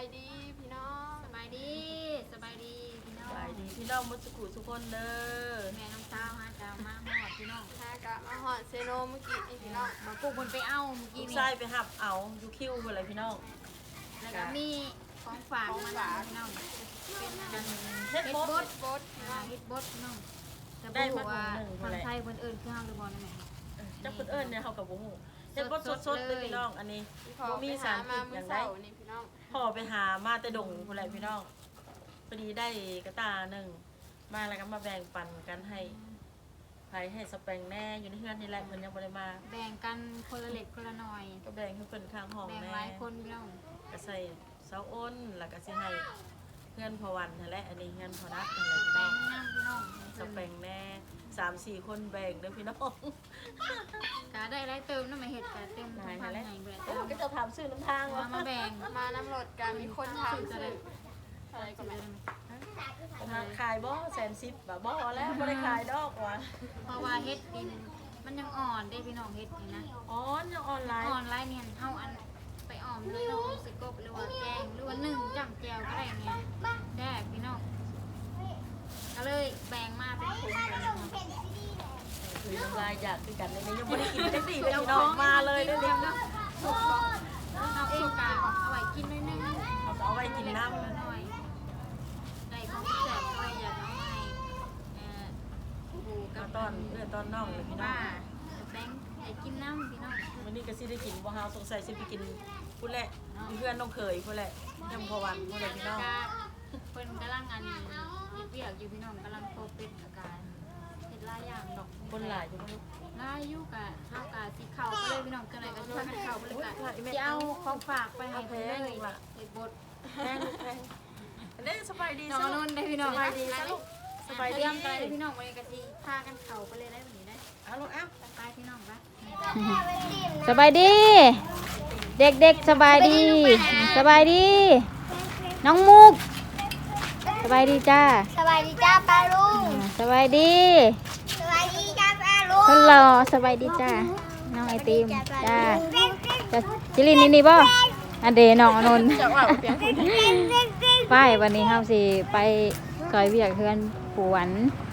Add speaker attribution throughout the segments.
Speaker 1: ายดีพี่น้อง
Speaker 2: สบายดีพี่น้อง
Speaker 3: สบายดีพี่น้องมุสกุทุกคนเด้อ
Speaker 2: แม่น้องสาวฮะจะมาหอดพี่น้อง
Speaker 1: ฮากะมาหอดเซโนเมื่อกี้นี่พี่น้อง
Speaker 2: มาปลูกบนไปเอาเมื่อ
Speaker 3: ลู
Speaker 2: กี้
Speaker 3: ก
Speaker 2: นี่
Speaker 3: ชายไปหับเอาอยู่คิวอะไรพี่น้อง
Speaker 2: แล้วก็มีของฝากมาพี่น้องเป็นอัน
Speaker 3: เฮ็ด
Speaker 2: เฮ็ด
Speaker 3: บบ ด
Speaker 2: ด
Speaker 1: บดพี่น้อง
Speaker 2: เฮ็ดบดพี่น้องแต่
Speaker 3: ได้
Speaker 2: บ่
Speaker 3: มา
Speaker 2: รู้ว่า
Speaker 3: ถุงหนึ่ง
Speaker 2: ทาง
Speaker 3: เท่าไหร่
Speaker 2: ไทยเพิ่นเอิ้นคือเฮาหรือบ่นั่นแหละ
Speaker 3: จักเพิ่นเอิ้นเนี่ยเฮากับบ่ฮู้เฮ็ดบดสดๆเลยพี่น้องอันนี้
Speaker 1: พี่พอไปหามาเมื่อเช้านี่พี่น้อง
Speaker 3: พ่อไปหามาแต่ดงพุ่นแหละพี่น้องพอดีได้กระตาหนึ่งมาแล้วก็มาแบ่งปันกันให้ไผให้สแปงแน่อยู่ในเฮือนนี่แหละเพิ่นยังบ่ได้มา
Speaker 2: แบ่งกันคนละเล็กคนละหน่อย
Speaker 3: ก็แบ่งให้เพิ่นข้างห้อง
Speaker 2: แบ่ง
Speaker 3: แน่
Speaker 2: หลายคนพี่น้อง
Speaker 3: ก็ใส่เสาอ้นแล้วก็สิให้เพื่อนพอวันนั่นแหละอันนี้เพื่อนพอนัดนั่นแหละพี่
Speaker 2: แบ่
Speaker 3: น้อง ง
Speaker 2: น้ำพี่น้อง
Speaker 3: สแปงแน่3-4 คนแบ่งเด้อพี่น้อง
Speaker 2: ก็ได้หลายเติมนำมาเฮ็ดก็เต็มทุกพันใหญ่เบิด
Speaker 3: โอ้ก็จะถามชื่อน้ำทาง
Speaker 2: เอา
Speaker 3: ว่า
Speaker 2: มาแบ่ง
Speaker 1: มาน้ำรถกันมีคนทำซื้ออะไรก็ไม่
Speaker 3: มาขายบ่110บ่บ่แล้วบ่ได้ขายดอกว่ะ
Speaker 2: เพราะว่าเฮ็ดดินมันยังอ่อนได้พี่น้องเฮ็ดนี่นะ
Speaker 3: อ๋อยังออนไลน์
Speaker 2: อ่อนไลน์เนี่ยเฮาอันไปอ้อมเลยน้องสิกบหรือว่าแกงหรือว่านึ่งจ้ำแจวก็ได้เนี่ยได้พี่น้องก็เลยแบ่งมาเป็นถุงแบบนี้
Speaker 3: คือน้ำลายอยากคือกันเลยยังบ่ได้กินจักดีเลยพี่น้องมาเลยเด้อ
Speaker 2: เดียวนะสุกบ่เอาเองกะเอาไว้กินหน่อยนึง
Speaker 3: เอาไว้กินน้ำ
Speaker 2: หน่อยได้ของแซ่บก็อยากเอาให้ปู่
Speaker 3: ก็
Speaker 2: กับ
Speaker 3: ตอนตอนน้องเลยพี่น้อ
Speaker 2: ป้าง แบงค์ให้กินน้ำพี่น้อง
Speaker 3: วันนี้ก็สิได้กินบ่เฮาสงสัยสิไปกินพุ่นแหละเพื่อนน้องเคยพุ่นแหละยังพอวันพุ่นแหละพี่น้อง
Speaker 2: เพิ่นกำลังอันเฮ็ดเวียกอยู่พี่น้องกำลังโตเป็นอาการเฮ็ดหลายอย่างดอก
Speaker 3: คนหลายอยู่บ่ลูก
Speaker 2: หลายอยู่กะเฮากะสิเข้าไปเลยพี่น้องจังได๋ก็สิพากันเข้าไปเลยกะสิเอาของฝากไปให้เพิ่นเลยเฮ็ดบด
Speaker 3: แพงแพงเด้สบายดี
Speaker 2: น้องนนท์ได้พี่น้อง
Speaker 3: สบายดีซะลูกสบายดี
Speaker 2: เตรียมกันเลยพี่น้องวันนี้ก็สิพากันเข้าไปเลยได้วันนี้ได้
Speaker 3: เอาลูกเอ้า
Speaker 2: ไปพี่น้องไป
Speaker 4: สบายดี เด็กๆสบายดี สบายดี น้องมุก สบายดีจ้า
Speaker 5: สวัสดีจ้าปลาลุง
Speaker 4: สบายดี
Speaker 5: สวัสดีจ้าปลาลุง
Speaker 4: คนรอสบายดีจ้า น้องไอติมจ้าจะจิลินนี่บ่อันเดน้องอนนท์ไปวันนี้เฮาสิไปซอยเวียกเฮือนปู่หวัน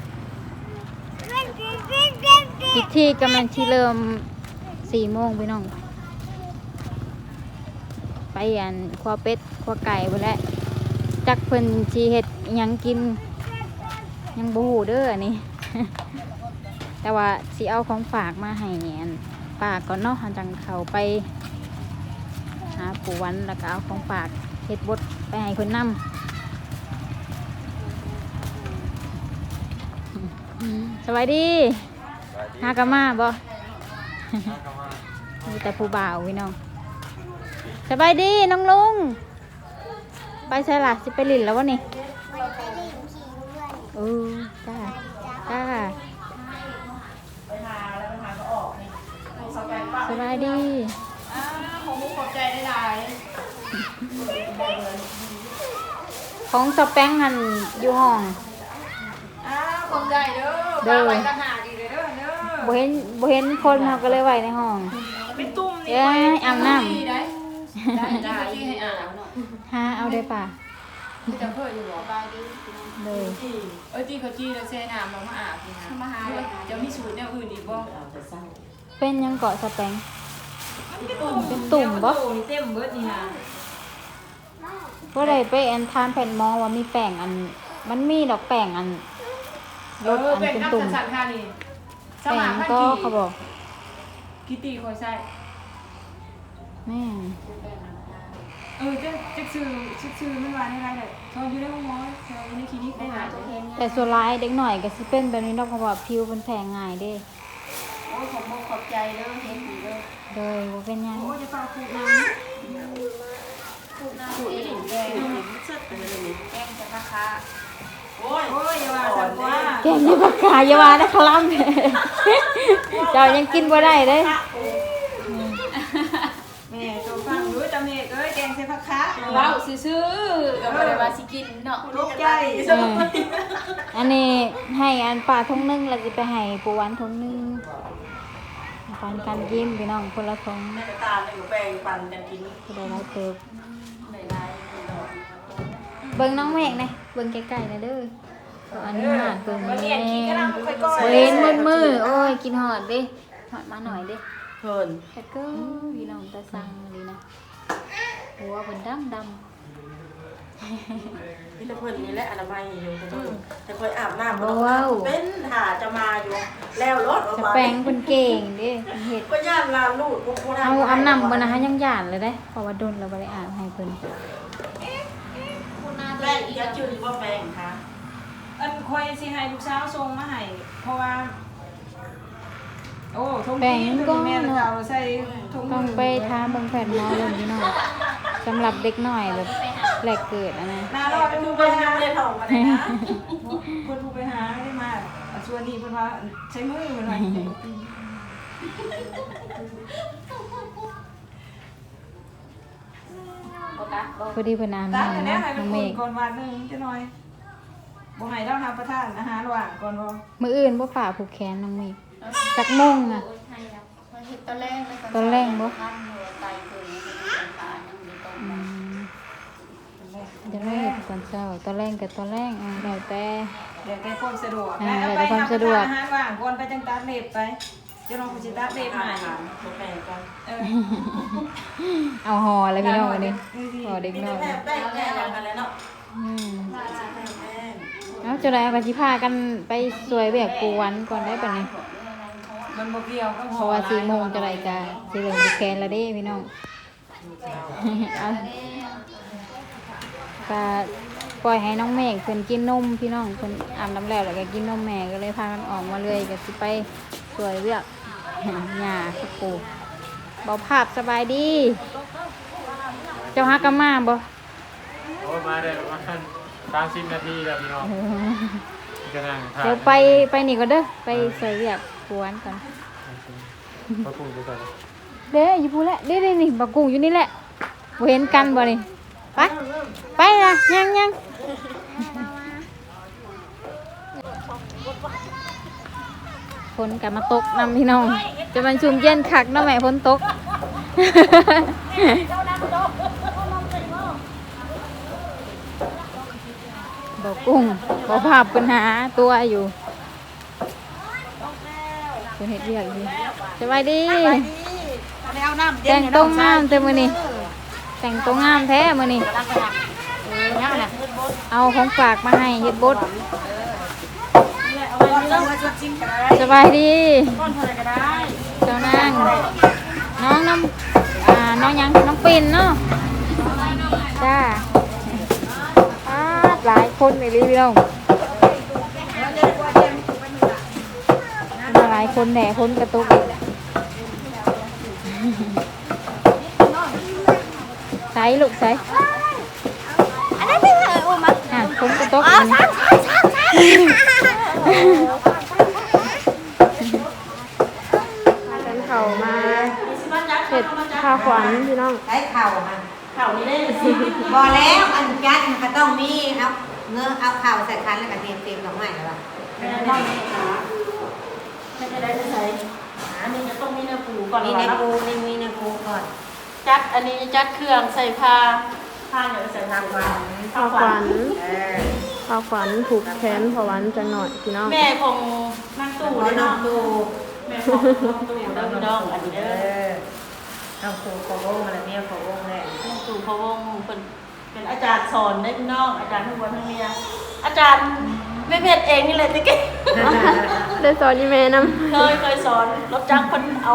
Speaker 4: พิธีกำลังที่เริ่ม4 โมงพี่น้อง ไปอันครัวเป็ดครัวไก่ไปแล้วจักเพิ่นชีเฮ็ดอิหยังกินยังบ่ฮู้เด้ออันนี้ แต่ว่าสิเอาของฝากมาให้อันป้าก่อนเนาะหันจังเข้าไปหาปู่วันแล้วก็เอาของฝากเฮ็ดบดไปให้เพิ่นนำ สวัสดีฮากามาบ่ มีแต่ผู้บ่าวพี่น้องสบายดีน้องลุงไปใช่ล่ะสิไปลินแล้ววะนี่
Speaker 5: มันไปเล่นขี่เพื่อน
Speaker 4: เออจ้าจ้าสบายดี
Speaker 1: ของมุกขอบใจได้หลาย
Speaker 4: ของสแปงหันอยู่ห้อง
Speaker 1: ขอบใจเด้อไปต่างหากอีกเด้อเด้อ
Speaker 4: บ่เห็นคนเขาก็เลยไว้ในห้อง
Speaker 1: เป็นตุ่มนี่
Speaker 4: เอ้ยอาบน้
Speaker 1: ได้ได้ที่ให้อ่านเนาะ
Speaker 4: ำหาเอาได้ป่ะ
Speaker 1: ที่จะเพิ่มอยู่บ่
Speaker 2: บายดี
Speaker 4: เลย
Speaker 1: ที่เขาจี้แล้วเซนอ่านมาอาบนี่นะมาหาจะมีสูตรแนวอื่นอีกบ่
Speaker 4: เป็นยังเกาะสแปง เป็นตุ่มบ่
Speaker 1: นี่เต็มเบิดนี่นะ
Speaker 4: ก็เลยไปอันทานแผ่นหมอว่ามีแป้งอัน มันมีดอกแป้งอันรสอันเป็นตุ่ม
Speaker 1: สันค่ะนี่
Speaker 4: แป้งก็เขาบอก
Speaker 1: กิตีคอยใส่
Speaker 4: แม่
Speaker 1: จะซื้อไม่ว่าได้ไรเลยเขาอยู่ในห้องหมอเขาอยู่ในคลินิกได้หาตัวเอง
Speaker 4: แต่ส่วนร้ายเด็กหน่อยก็สิเป็นแบบนี้เนาะเพราะว่าผิวมันแพ้ง่ายเด้
Speaker 1: โอ้ยขอบขอบใจเด้อเห็นดีเด้อ
Speaker 4: เลยบ่เป็นหยัง
Speaker 1: โอ้ยจะฝากขูดน้ำขูดอีหลินแดงแกงจะราคาโอ้ยอย่าว่าสั่งว่า
Speaker 4: แกงนี่ปากกาอย่าว่านะครับ เจ้ายังกินบ่ได้เด้
Speaker 1: แม่ตัวฟังรู้จำเอกแกงใส่ผักคะ
Speaker 2: เว้าซื่อๆก็บ่ได้ว่าสิกินเนาะ
Speaker 1: ลูกใจ
Speaker 4: อันนี้ให้อันป่าทงนึงแล้วสิไปให้ปู่วันทงนึงปันกันกินพี่น้องคนละทง
Speaker 3: แม่ตาในแบ่งปันกันกิน
Speaker 4: ก็ได้หลายเติบ
Speaker 3: หลาย
Speaker 4: เบิ่งน้องเมฆนะเบิ่งไกลๆนะเด้อก็อันนี้หาดเบิ่ง
Speaker 1: มา
Speaker 4: แม่
Speaker 1: เรียนคิดก็ได้ค่อยก้อย
Speaker 4: เว้นมืดโอ้ยกินหอดเด้หอดมาหน่อยเด้
Speaker 3: เพิ่น
Speaker 4: แค่ก็พี่น้องตาสั่งเลยนะหัวเพิ่นดำ
Speaker 3: นี่ละเพิ่นนี่แหละอนามัยอยู่แต่ค่อยอาบน้ำเป็นหาจะมาอยู่แล้วรถออก
Speaker 4: จะ
Speaker 3: มา
Speaker 4: แปลงเพิ่นเก่งเด้เฮ็ด
Speaker 3: ก็ย่านลาลูกบ่ได้
Speaker 4: เอาอาบน้ำบ่นะฮะยังหยานเลยเด้เพราะว่าโดนเราบ่ได้อาบให้เพิ่น
Speaker 3: แป้งอีกจืดบ่แป้งค่ะ
Speaker 1: อันคอยสิให้ลูกสาวส่งมาให้เพราะว่าโอ้ทง
Speaker 4: แปลง
Speaker 1: นี้
Speaker 4: ก็
Speaker 1: แม่
Speaker 4: เนาะ
Speaker 1: เอาใส่ทง
Speaker 4: ต้องไปถามเบิ่งแพทย์หมอเบิ่งพี่น้องสำหรับเด็กน้อยแบบแรกเกิดอะนะ
Speaker 1: นารอด
Speaker 3: ดู
Speaker 1: ดู
Speaker 3: ไป
Speaker 1: ไป
Speaker 3: ทา
Speaker 1: หาง
Speaker 3: เลยท้องมาได้นะ
Speaker 1: เพิ่นผู้ไปหาได้มาส่วนนี้เพิ่นว่าใช้มือเพิ่นว่า
Speaker 4: พอดีเพิ่นอาบ
Speaker 1: ตักอัน
Speaker 4: น้ำ
Speaker 1: นี้
Speaker 4: เนาะ
Speaker 1: ให้
Speaker 4: น้
Speaker 1: มั
Speaker 4: อน งเม
Speaker 1: อุ่น
Speaker 4: ฆ
Speaker 1: ก่อนวันหนึงจักหน่อยบ่ให้เราหาประทานอาหารระหว่างก่อนบ่
Speaker 4: มื้ออื่นบ่ฝ่าผูกแขนน้องเมฆจักโมงอะ
Speaker 5: ตอนแรก
Speaker 4: ตอนแรกบ่อืมจะแรกตอนเช้าตอนแรกกับตอนแรกแล้วแต่
Speaker 1: เดี๋ยวแกความสะดวก
Speaker 4: อ่า
Speaker 1: แล้ว
Speaker 4: เดี๋ยวความสะดวก
Speaker 1: อาหารว่างก่อนไปจังตัดเล็บไปเจ้าน้องกูสิตัดเล็บให้
Speaker 3: บ่แป้งก่อน
Speaker 1: เออ
Speaker 4: เอาห่อเลยพี่น้องวันนี้ห่อเด็ก
Speaker 3: มี
Speaker 4: น้อย
Speaker 3: แต่แป้งกันแล้วเนาะ
Speaker 4: อืม
Speaker 3: แป้ง
Speaker 4: เอาจะได้เอากันสิพากันไปสวยแบบกูวันก่อนได้ปะเนี่ย
Speaker 1: มันบ่เกี่ยวกับ
Speaker 4: เพราะว่า4 โมงจะได้กะสิเริ่มผูกแขนแล้วเด้พี่น้องเอาก็ปล่อยให้น้องเมฆเพิ่นกินนมพี่น้องเพิ่นอาบน้ำแล้วแล้วก็กินนมแม่ก็เลยพากันออกมาเลยก็สิไปสวยเวียกหญ้าสักปูเบาภาพสบายดี เจ้าฮักกะมาบ่
Speaker 6: โอ้มาได้ประมาณ30 นาทีแล้วพี่น้องก็นั่งทาน
Speaker 4: เดี๋ยวไปนี่ก่อนเด้อไปสวยเวียกกวนก่อน
Speaker 6: พระคุณไปใส่
Speaker 4: เด้อยู่พูนแหละเด้นี่บักกุ้งอยู่นี่แหละบ่เห็นกันบ่นี่ไปไปนะยังฝนกลับมาตกนำพี่น้องจะมันชุ่มเย็นคักเนาะแม่ฝนตก บอกกุ้งบอกภาพปัญหาตัวอยู่เป็นเห็ดเรียกดีสบายดี
Speaker 3: เอาน้ำเย็
Speaker 4: แต่
Speaker 3: น
Speaker 4: งตัวงามเต็มมือนี่แต่งตัวงามแท้มือนี่เอาของฝากมาให้เฮ็ดบดสบายดีเจ้านางน้องน้ำน้องยังน้องปิ่นเนาะจ้าหลายคนในรีวิวหลายคนแหน่คนกระตุกใส่ลูกใส่
Speaker 5: อันนั้นไม่ใช่อุ้มอ่ะ
Speaker 4: คนกระตุกเขามาเห็ดข้าวขวัญพี่น้อง
Speaker 7: ใช้เข่าค่ะ
Speaker 3: ข่าวนี้ได้สิ
Speaker 7: บอแล้วอันจัดมันก็ต้องมีครับเนื้อเอาเข่าใส่คันแล้วก็เตรียมดอกไม้แล้วล่ะ
Speaker 3: ไม่ได้ไม่ได้ใส่อันนี้จะต้องมีเนื้อปูก่อน
Speaker 7: มีในปูมีในปูก่อน
Speaker 3: จัดอันนี้จัดเครื่องใส่ผ้าเนี่ยใส่ทางมา
Speaker 8: ข้าวขวัญ
Speaker 7: เออ
Speaker 8: ข้าวขวัญผูกแขนพอวันจังหน่อยพี่น้อง
Speaker 3: แม่ของนั่งตู้
Speaker 7: หัว
Speaker 3: เลย
Speaker 7: น้อง
Speaker 3: เนาะ
Speaker 7: ตู
Speaker 3: แม่ของนั่งตู้แล้วพี่น้องอันนี้
Speaker 7: เอ
Speaker 3: เด้อ
Speaker 7: อน้องตูขอวงอะไรเมียขอวงเลย
Speaker 3: นั่งตู้พะวงเป็นอาจารย์สอนได้พี่น้องอาจารย์ทั้งวันทั้งเมียอาจารย์ไม่เพชรเองนี่เลยติ๊ก
Speaker 8: ได้สอนยี่แม่น้
Speaker 3: เคยสอนรถจักรคนเอา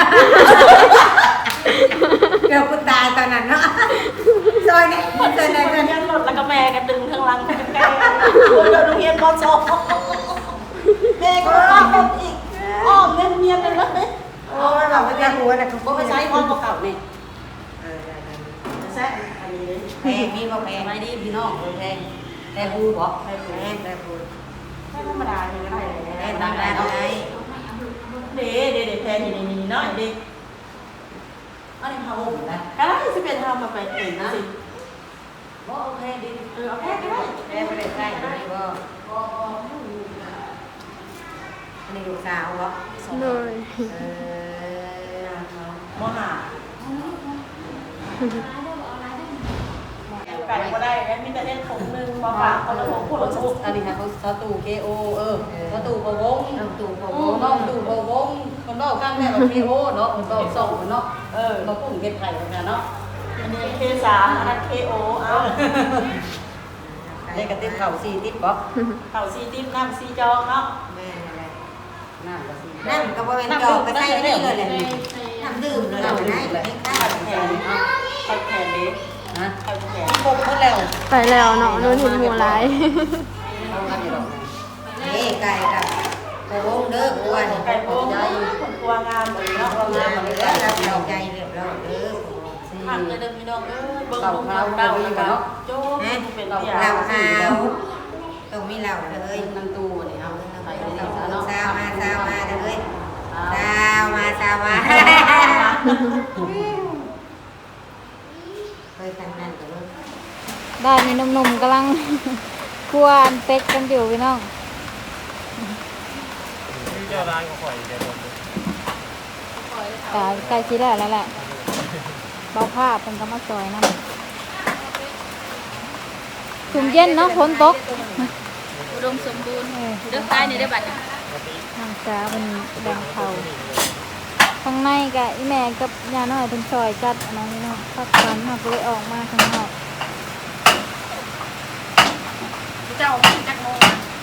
Speaker 7: เกือบกูตายตอนนั้นเนาะซอยนี้เกินเลย
Speaker 3: เงิ
Speaker 7: เกิ
Speaker 3: น
Speaker 7: น
Speaker 3: ยันรถแล้วก็แม่ก็ดึงข้างหลังแกโอ้ยโดนเรียนมสองแม่ก็อ้อมอีกอ้อมเนียนๆเลย
Speaker 7: โอ้ยบอกว่าจะหัวนะเขา
Speaker 3: บ่ไปใช้อ้อมเก่านี่
Speaker 7: เออ
Speaker 3: แซ่อันนี้เลย
Speaker 7: แพงมีบ่แพงไม่ดีพี่น้องแพงแต่ปูบอกแพงแต่ปู
Speaker 3: ไม่ธรรมดาเลยนะ
Speaker 7: แพงตามได้ไง
Speaker 3: เด็แพงนี่น้อยเด็ก
Speaker 7: อันนี้เขาหุ่นนะ
Speaker 3: ก็ได้สิเป็นทำมาไปเองนะสิ
Speaker 7: บ่โอเคดี
Speaker 3: เอาแค่ก็ได้
Speaker 7: แม่ไม่ได้ใกล้อันนี้บ่อันนี้ลูกสาวเหรอ
Speaker 8: ำเลย
Speaker 7: เออ
Speaker 3: มหาไก่ก็ได้แล้วมีแต่เล่นถุงนึงมาฝากคนละถุงคนละถุง
Speaker 7: อันนี้ค่ะเขาตู่ KO เขาตู่พะวงตู่พะวงน้องตู่พะวงคนบอกข้างแม่ว่า KO เนาะคนบอกส่งเนาะมาปุ่นเก็บไข่กันเนาะ
Speaker 3: อันนี้K3อันนั้นKO เอา
Speaker 7: ได้กระติบเข่า4ติบบ่
Speaker 3: เข่าซีติ๊บน้ำซีจองเนาะ
Speaker 7: แม่นั่นแหละน้ำก็สิน้ำก็บ่เป็นจอกก็ใส่นี่เลยแหละน้ำดื่มเลยนะนี่ค่ะ
Speaker 3: แขนไข่แขนเด็ก
Speaker 7: นะ
Speaker 3: ไข่แขน
Speaker 7: ปกหมดแล้ว
Speaker 8: ไปแล้วเนาะนู่นเห็นหมูหลาย
Speaker 7: นี่ไก่กับพะวงเด้อกวน
Speaker 3: ไก่โบ้ใจคนตัวงามเลยเนาะ
Speaker 7: พะวงมาเลยรับเราใจเรียบร้อยเด้อ
Speaker 3: หักจะเดินพี่น้องเบิ่งลุงเต่าแล้วก็โจ้เป็นเตี้ย
Speaker 7: เราหาวต้องมีเหล่าเลย
Speaker 3: นั่งตู้นี่เอาใส่ในนี้ซะเนาะ
Speaker 7: ซาวมาเด้อซาวมาเคยกันนั่นกับลูก
Speaker 4: ด้านนี้หนุ่มๆกำลัง คั่วอันเป็ดกันอยู่พี่น้อง
Speaker 6: นี่เจ้าร้านก็ข่อยเดี๋ยวผม
Speaker 4: แต่ใกล้ชิดแล้วแหละเบาผ้าเป็นกำมะซอยน้ำถุงเย็นเนาะฝนตก
Speaker 2: อุดมสมบูรณ์เลือกได้ในได้บัตร
Speaker 4: ทางจ้าเป็นแดงเขาข้างในกับอีแม่กับยาน้อยเป็นซอยจัดอันนั้นเนาะพักผ่อนมาก็เลยออกมาข้างนอก
Speaker 2: เจ้าพี่จักโมง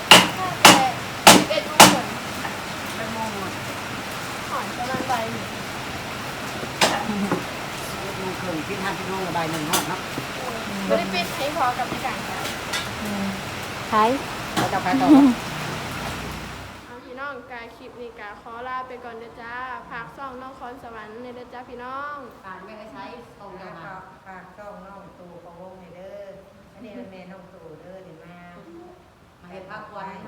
Speaker 2: 11 โมงหอนประมาณใบ
Speaker 7: มันเคยพิธาพิโนระบายหนึ่งห้องเนาะ
Speaker 2: ไม่ได้ปิดให้พอกับในการขาย
Speaker 4: ขาย
Speaker 7: เราจะไปต่อ
Speaker 8: เอาพี่น้องกายคลิปนี้กาขอลาไปก่อนเด้อจ้าฝากซ่องน้องคอนสวรรค์ในเด้อจ้าพี่น้อง
Speaker 7: การไม่ได้ใช้ตรงกันฝากช่องน้องตู่พะวงในเด้ออันนี้เป็นแม่น้องตู่เด้อเดี๋ยวมาเห็นภาควัน